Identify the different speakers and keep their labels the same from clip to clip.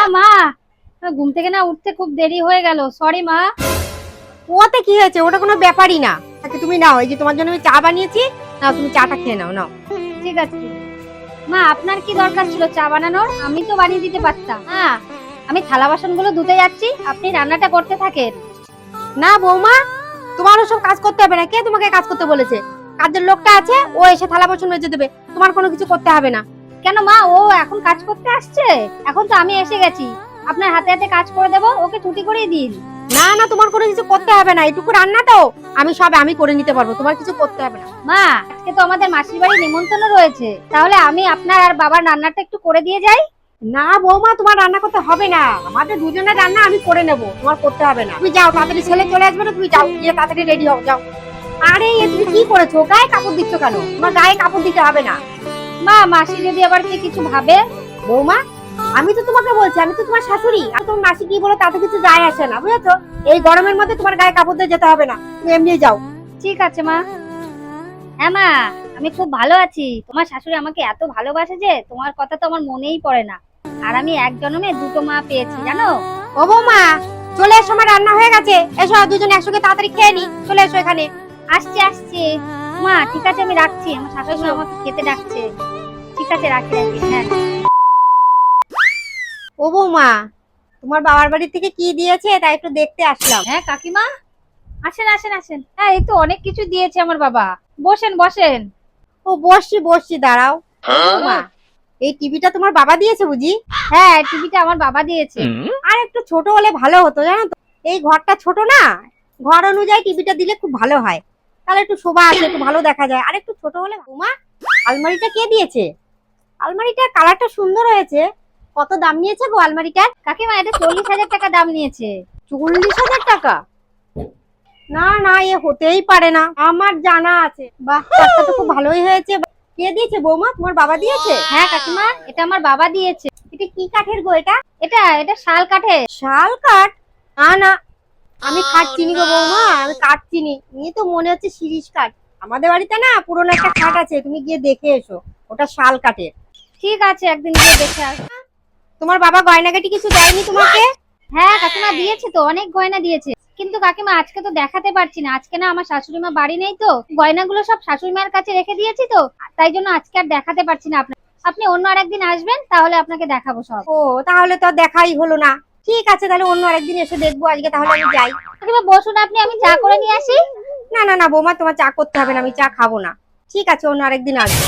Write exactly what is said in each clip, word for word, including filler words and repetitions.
Speaker 1: মা, ঘুম থেকে না উঠতে খুব দেরি হয়ে গেল, সরি মা।
Speaker 2: ওতে কি হয়েছে, ওটা কোনো ব্যাপারই না। আচ্ছা তুমি নাও, এই যে তোমার জন্য আমি চা বানিয়েছি, নাও তুমি চাটা খেয়ে নাও। নাও
Speaker 1: ঠিক আছে মা, আপনার কি দরকার ছিল চা বানানোর? আমি তো বানিয়ে দিতে পারতাম। হ্যাঁ, আমি থালা বাসনগুলো ধুতে যাচ্ছি, আপনি রান্নাটা করতে থাকেন।
Speaker 2: না বৌমা, তোমার ওসব কাজ করতে হবে না। কে তোমাকে কাজ করতে বলেছে? কাজের লোকটা আছে, ও এসে থালা বাসন মেজে দেবে, তোমার কোনো কিছু করতে হবে না।
Speaker 1: কেন মা, ও এখন কাজ করতে আসছে? এখন তো আমি এসে গেছি, আপনার হাতে হাতে কাজ করে দেবো, ওকে ছুটি করেই দিন।
Speaker 2: না না, তোমার কোনো কিছু করতে হবে না, এটুকু রান্না তো আমি সব আমি করে নিতে পারবো, তোমার কিছু করতে হবে না।
Speaker 1: মা, আজকে তো আমাদের মাসির বাড়ি নিমন্ত্রণ রয়েছে, তাহলে আমি আপনার আর বাবার রান্নাটা একটু করে দিয়ে যাই।
Speaker 2: না বৌমা, তোমার রান্না করতে হবে না, আমাদের দুজনের রান্না আমি করে নেবো, তোমার করতে হবে না। তুমি যাও, তাড়াতাড়ি ছেলে চলে আসবে না, তুমি যাও, গিয়ে তাড়াতাড়ি রেডি হও, যাও। আরে এ তুমি কি করেছো, গায়ে কাপড় দিচ্ছ কেন? তোমার গায়ে কাপড় দিতে হবে না।
Speaker 1: মা, মাসি যদি আবার কি কিছু ভাবে?
Speaker 2: বৌমা, আমি তো তোমাকে বলছি, আমি তো তোমার শাশুড়ি, আর তোমার মাসি কি বলো তাতে কিছু যায় আসে না, বুঝেছো? এই গরমের মধ্যে তোমার গায়ে কাপড় দিয়ে যেতে হবে না, তুমি এমনি যাও।
Speaker 1: ঠিক আছে মা। হ্যাঁ মা, আমি খুব ভালো আছি। তোমার শাশুড়ি আমাকে এত ভালোবাসে যে তোমার কথা তো আমার মনেই পড়ে না। আর আমি এক জন্মে দুটো মা পেয়েছি, জানো?
Speaker 2: ও বৌমা, চলে এসো, আমার রান্না হয়ে গেছে, এসো দুজন একসঙ্গে তাড়াতাড়ি খেয়ে নি, চলে এসো এখানে।
Speaker 1: আসছে আসছে মা, ঠিক আছে আমি রাখছি, আমার শাশুড়ি আমাকে খেতে ডাকছে। ঠিক আছে, রাখি রাখি। হ্যাঁ।
Speaker 2: ও বৌমা, তোমার বাবার বাড়ি থেকে কি দিয়েছে তাই একটু দেখতে আসলাম।
Speaker 1: হ্যাঁ কাকিমা, আসেন আসেন আসেন। হ্যাঁ, এই তো অনেক কিছু দিয়েছে আমার বাবা, বসেন বসেন।
Speaker 2: ও বসছি বসছি, দাঁড়াও। মা, এই টিভিটা তোমার বাবা দিয়েছে বুঝি?
Speaker 1: হ্যাঁ, টিভিটা আমার বাবা দিয়েছে।
Speaker 2: আর একটু ছোট হলে ভালো হতো, জানো তো, এই ঘরটা ছোট না, ঘর অনুযায়ী টিভিটা দিলে খুব ভালো হয়, তাহলে একটু শোভা আসে, একটু ভালো দেখা যায়। আর একটু ছোট হলে। বৌমা, আলমারিটা কে দিয়েছে? আলমারিটার কালারটা সুন্দর হয়েছে, কত দাম নিয়েছে গো আলমারিটার?
Speaker 1: কাকিমা, এটা চল্লিশ হাজার টাকা দাম নিয়েছে।
Speaker 2: চল্লিশ হাজার টাকা? না না, এ হতেই পারে না, আমার জানা আছে। বাহ, কাঠটা তো খুব ভালোই হয়েছে। কে দিয়েছে বৌমা, তোমার বাবা দিয়েছে?
Speaker 1: হ্যাঁ কাকিমা, এটা আমার বাবা দিয়েছে।
Speaker 2: এটা কি কাঠের গো? এটা
Speaker 1: এটা এটা শাল কাঠের।
Speaker 2: শাল কাঠ? না না, আমি কাঠ চিনি গো বৌমা, আমি কাঠ চিনি। নিয়ে তো মনে হচ্ছে শিরীষ কাঠ। আমাদের বাড়িতে না পুরোনো একটা খাট আছে, তুমি গিয়ে দেখে এসো, ওটা শাল কাঠের।
Speaker 1: ঠিক আছে, একদিন গিয়ে দেখে আস।
Speaker 2: তোমার বাবা গয়নাগাটি কিছু দেয়নি তোমাকে?
Speaker 1: হ্যাঁ কাকিমা, দিয়েছে তো, অনেক গয়না দিয়েছে। কিন্তু কাকিমা আজকে তো দেখাতে পারছি না, আজকে না আমার শাশুড়ি মা বাড়ি নেই তো, গয়নাগুলো সব শাশুড়ি মায়ের কাছে রেখে দিয়েছি তো, তাই জন্য আজকে আর দেখাতে পারছি না আপনার। আপনি অন্য আরেকদিন আসবেন, তাহলে আপনাকে দেখাবো সব।
Speaker 2: ও, তাহলে তো আর দেখাই হলো না। ঠিক আছে, তাহলে অন্য আরেকদিন এসে দেখবো, আজকে তাহলে আমি যাই।
Speaker 1: কাকিমা বসুন আপনি, আমি চা করে নিয়ে আসি।
Speaker 2: না না না বৌমা, তোমার চা করতে হবে না, আমি চা খাবো না। ঠিক আছে, অন্য আরেকদিন আসবো।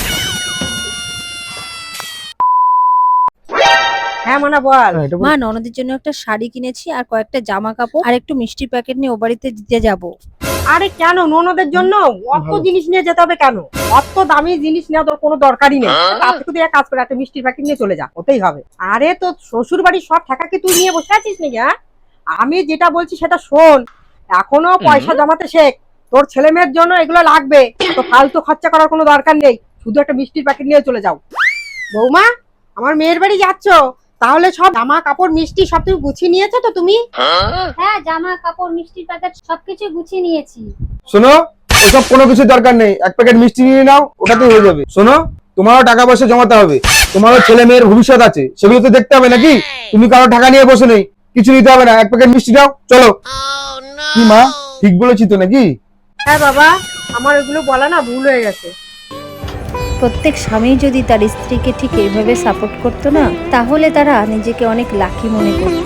Speaker 2: হ্যাঁ মনা, বল।
Speaker 3: মা, ননদের জন্য একটা শাড়ি কিনেছি আর কয়েকটা জামা কাপড় আর একটু মিষ্টির প্যাকেট নিয়ে ও বাড়িতে দিতে যাব।
Speaker 2: আরে কেন, ননদের জন্য অত জিনিস নিয়ে যেতে হবে কেন? অত দামি জিনিস নেওয়া তোর কোনো দরকারই নেই। তার থেকে তুই এক কাজ করে একটা মিষ্টির প্যাকেট নিয়ে চলে যা, ওতেই হবে। আরে তো শ্বশুর বাড়ির সব টাকা কি তুই নিয়ে বসে আছিস নাকি? হ্যাঁ, আমি যেটা বলছি সেটা শোন, এখনো পয়সা জমাতে শেখ। তোর ছেলে মেয়ের জন্য এগুলো লাগবে, তো ফালতু খরচা করার কোনো দরকার নেই, শুধু একটা মিষ্টির প্যাকেট নিয়ে চলে যাও। বৌমা, আমার মেয়ের বাড়ি যাচ্ছ, তাহলে সব জামা কাপড় মিষ্টি সব তুমি গুছিয়ে নিয়েছো তো তুমি?
Speaker 1: হ্যাঁ, জামা কাপড় মিষ্টির প্যাকেট সবকিছু গুছিয়ে নিয়েছি।
Speaker 4: শোনো, ওসব কোনো কিছু দরকার নেই, এক প্যাকেট মিষ্টি নিয়ে নাও, ওটাতেই হয়ে যাবে। শোনো, তোমারও টাকা পয়সা জমাতে হবে, তোমারও ছেলে মেয়ের ভবিষ্যৎ আছে, সেগুলো তো দেখতে হবে নাকি? তুমি কারো টাকা নিয়ে বসে নেই, কিছু নিতে হবে না, এক প্যাকেট মিষ্টি দাও, চলো। কি মা, ঠিক বলেছি তো নাকি?
Speaker 2: হ্যাঁ বাবা, আমার এগুলো বলা না ভুল হয়ে গেছে।
Speaker 3: প্রত্যেক স্বামী যদি তার স্ত্রীকে ঠিক এইভাবে সাপোর্ট করতো না, তাহলে তারা নিজেকে অনেক লাকি মনে করতো।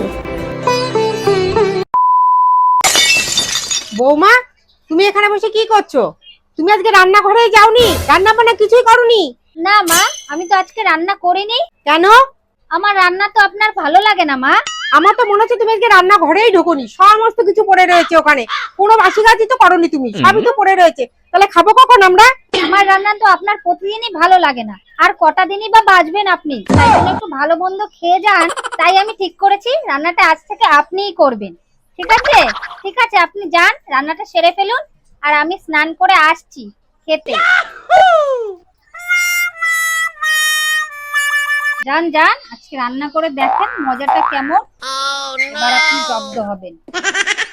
Speaker 2: বৌমা, তুমি এখানে বসে কি করছো? তুমি আজকে রান্নাঘরে যাওনি? রান্না বান্না কিছুই করনি?
Speaker 1: না মা, আমি তো আজকে রান্না করিনি।
Speaker 2: কেন?
Speaker 1: আমার রান্না তো আপনার ভালো লাগে না মা।
Speaker 2: আমার তো মনে হচ্ছে তুমি আজকে রান্নাঘরেই ঢোকনি, সমস্ত কিছু পড়ে রয়েছে ওখানে, কোনো বাসি কাজই তো করনি তুমি, সবই তো পড়ে রয়েছে। তাহলে খাবো কখন আমরা?
Speaker 1: আমার রান্না তো আপনার প্রতিদিনই ভালো লাগে না, আর কটা দিনই বা বাঁচবেন আপনি, তাই জন্য একটু ভালো মন্দ খেয়ে যান। তাই আমি ঠিক করেছি রান্নাটা আজ থেকে আপনিই করবেন। ঠিক আছে? ঠিক আছে, আপনি যান, রান্নাটা সেরে ফেলুন, আর আমি স্নান করে আসছি খেতে। যান যান, আজকে রান্না করে দেখেন মজাটা কেমন, এবার আপনি জব্দ হবেন।